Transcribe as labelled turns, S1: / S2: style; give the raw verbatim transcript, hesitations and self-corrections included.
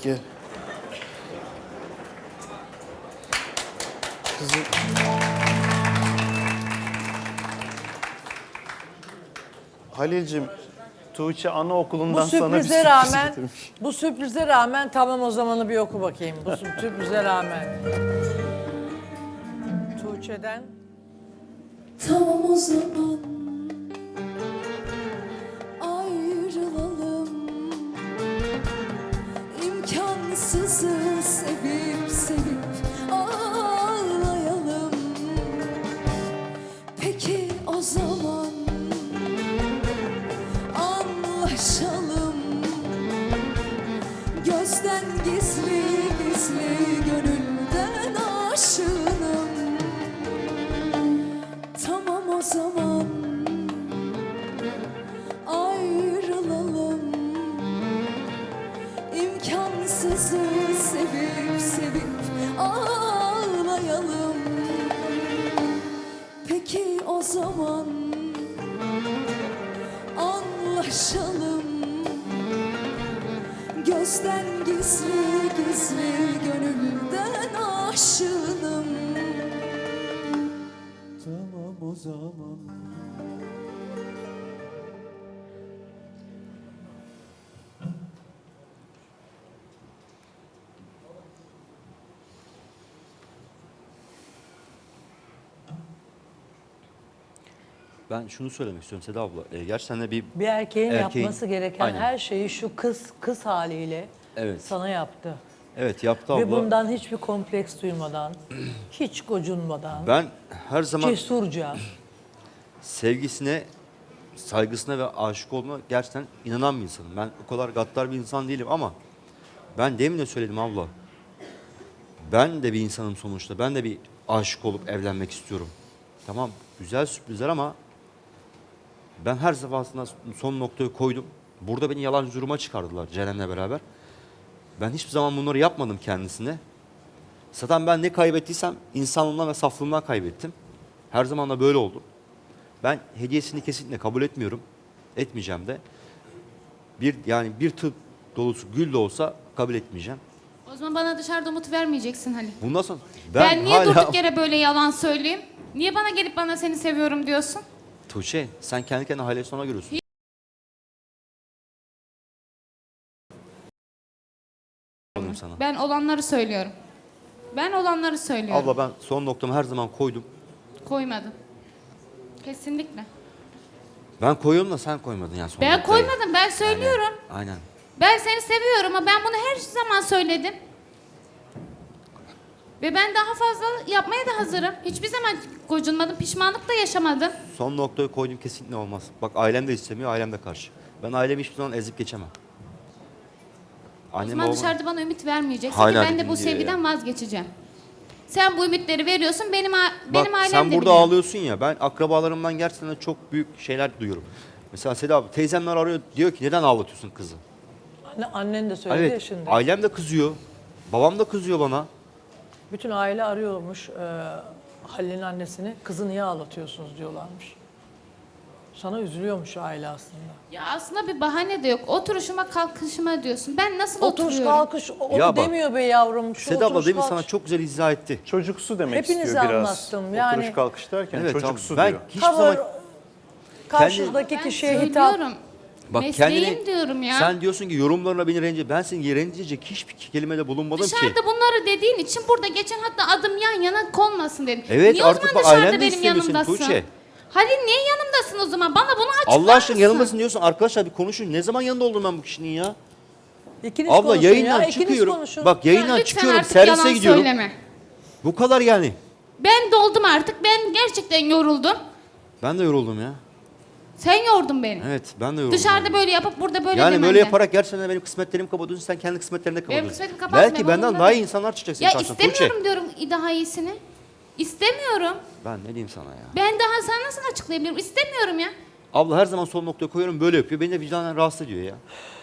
S1: Peki. Kızım. Halil'cim, Tuğçe anaokulundan
S2: Bu
S1: sana bir
S2: sürprize
S1: sürpriz
S2: rağmen,
S1: getirmiş.
S2: bu sürprize rağmen tamam o zamanı bir oku bakayım. Bu sürprize rağmen. Tuğçe'den.
S3: Tamam o zaman ayrılalım. İmkansızı sevip sevip ağlayalım. Peki o zaman anlaşalım. Gözden gizli gizli gönülden aşığım. Tamam o zaman ayrılalım. İmkansızı sevip sevip ağlayalım. Peki o zaman anlaşalım. Gözden gizli gizli gönülden aşığım.
S4: Tamam o zaman.
S5: Ben şunu söylemek istiyorum Seda abla. E, gerçekten de bir
S2: Bir erkeğin,
S5: Erkeğin-
S2: yapması gereken
S5: Aynen.
S2: her şeyi şu kız kız haliyle
S5: Evet.
S2: sana yaptı.
S5: evet yaptı abla.
S2: Ve bundan hiçbir kompleks duymadan, hiç gocunmadan,
S5: Ben her zaman
S2: cesurca.
S5: sevgisine, saygısına ve aşık olduğuna gerçekten inanan bir insanım. Ben o kadar gaddar bir insan değilim ama ben demin de söyledim abla. Ben de bir insanım sonuçta. Ben de bir aşık olup evlenmek istiyorum. Tamam, güzel sürprizler ama ben her defasında son noktayı koydum. Burada beni yalancı duruma çıkardılar Ceren'le beraber. Ben hiçbir zaman bunları yapmadım kendisine. Zaten ben ne kaybettiysem insanlığımdan ve saflığımdan kaybettim. Her zaman da böyle oldu. Ben hediyesini kesinlikle kabul etmiyorum. Etmeyeceğim de. Bir yani bir tır dolusu gül de olsa kabul etmeyeceğim.
S6: O zaman bana dışarıda umut vermeyeceksin Halil.
S5: Bundan sonra
S6: Ben,
S5: ben,
S6: niye
S5: hala...
S6: durduk yere böyle yalan söyleyeyim? Niye bana gelip bana seni seviyorum diyorsun?
S5: Tuğçe sen kendi kendine Halil'i sonra görüyorsun. Olayım sana.
S6: Ben olanları söylüyorum. Ben olanları söylüyorum.
S5: Abla ben son noktamı her zaman koydum.
S6: Koymadım. Kesinlikle.
S5: Ben koyuyorum da sen koymadın yani son
S6: Ben
S5: noktayı.
S6: koymadım. Ben söylüyorum.
S5: Aynen.
S6: Ben seni seviyorum ama ben bunu her zaman söyledim. Ve ben daha fazla yapmaya da hazırım. Hiçbir zaman gocunmadım, pişmanlık da yaşamadım.
S5: Son noktayı koydum kesinlikle olmaz. Bak ailem de istemiyor, ailem de karşı. Ben ailemi hiçbir zaman ezip geçemem.
S6: O
S5: Annem
S6: zaman
S5: babam...
S6: dışarıda bana ümit vermeyeceksin
S5: Hala
S6: ki ben de
S5: dinliyor
S6: bu sevgiden
S5: ya.
S6: vazgeçeceğim. Sen bu ümitleri veriyorsun, benim a-
S5: Bak
S6: benim ailem
S5: sen
S6: de
S5: burada
S6: biliyor.
S5: ağlıyorsun ya, ben akrabalarımdan gerçekten de çok büyük şeyler duyuyorum. Mesela Seda abi teyzemler arıyor, diyor ki neden ağlatıyorsun kızı?
S2: Anne, annen de söyledi ya
S5: Evet,
S2: şimdi.
S5: ailem de kızıyor, babam da kızıyor bana.
S2: Bütün aile arıyormuş e, Halil'in annesini. Kızı niye ağlatıyorsunuz diyorlarmış. Sana üzülüyormuş aile aslında.
S6: Ya aslında bir bahane de yok. Oturuşuma kalkışıma diyorsun. Ben nasıl
S2: Oturuş
S6: oturuyorum?
S2: kalkış o
S5: Ya bak,
S2: demiyor be yavrum. Şu
S5: Seda abla
S2: oturuş
S5: demin sana
S2: kalkış.
S5: çok güzel izah etti.
S1: Çocuksu demek
S2: Hepinize
S1: istiyor biraz.
S2: anlattım, yani-
S1: Oturuş kalkış derken
S5: Evet,
S1: çocuksu
S5: tamam. Ben
S1: diyor.
S5: hiçbir
S2: Tavır,
S5: zaman...
S2: karşıdaki
S6: Ben
S2: kişiye hitap.
S6: söylüyorum.
S5: Bak
S6: Mesleğim
S5: kendini,
S6: diyorum ya.
S5: sen diyorsun ki yorumlarına beni rencide, ben seni rencide hiçbir kelimede bulunmadım ki.
S6: Dışarıda bunları dediğin için burada geçen hatta adım yan yana konmasın dedim.
S5: Evet,
S6: niye
S5: artık
S6: o zaman
S5: bak,
S6: dışarıda
S5: ailen de
S6: benim
S5: istemiyor seni,
S6: yanımdasın?
S5: Tuğçe.
S6: Halil niye yanımdasın o zaman? Bana bunu açıklar
S5: Allah aşkına
S6: mısın?
S5: yanımdasın diyorsun. Arkadaşlar bir konuşun. Ne zaman yanında oldum ben bu kişinin ya?
S2: İkiniz
S5: Abla
S2: konuşun
S5: yayından
S2: ya, ikiniz
S5: çıkıyorum.
S2: konuşun.
S5: Bak
S6: Ya
S5: yayından
S6: lütfen
S5: çıkıyorum.
S6: artık
S5: Servise
S6: yalan
S5: gidiyorum.
S6: söyleme.
S5: Bu kadar yani.
S6: Ben doldum artık. Ben gerçekten yoruldum.
S5: Ben de yoruldum ya.
S6: Sen yordun beni.
S5: Evet ben de yoruldum.
S6: Dışarıda
S5: yani.
S6: böyle yapıp burada böyle
S5: Yani
S6: demenden.
S5: böyle yaparak gerçekten benim kısmetlerimi kapatıyorsun. Sen kendi kısmetlerini kapatıyorsun.
S6: kısmetimi kapatmıyorum,
S5: Belki benden
S6: umurumda
S5: daha iyi
S6: değil.
S5: insanlar çıkacak senin
S6: Ya
S5: karşına.
S6: istemiyorum
S5: Tuğçe.
S6: diyorum daha iyisini. İstemiyorum.
S5: Ben ne diyeyim sana ya.
S6: Ben daha sana nasıl açıklayabilirim? İstemiyorum ya.
S5: Abla her zaman son noktaya koyuyorum böyle yapıyor. Beni de vicdanen rahatsız ediyor ya.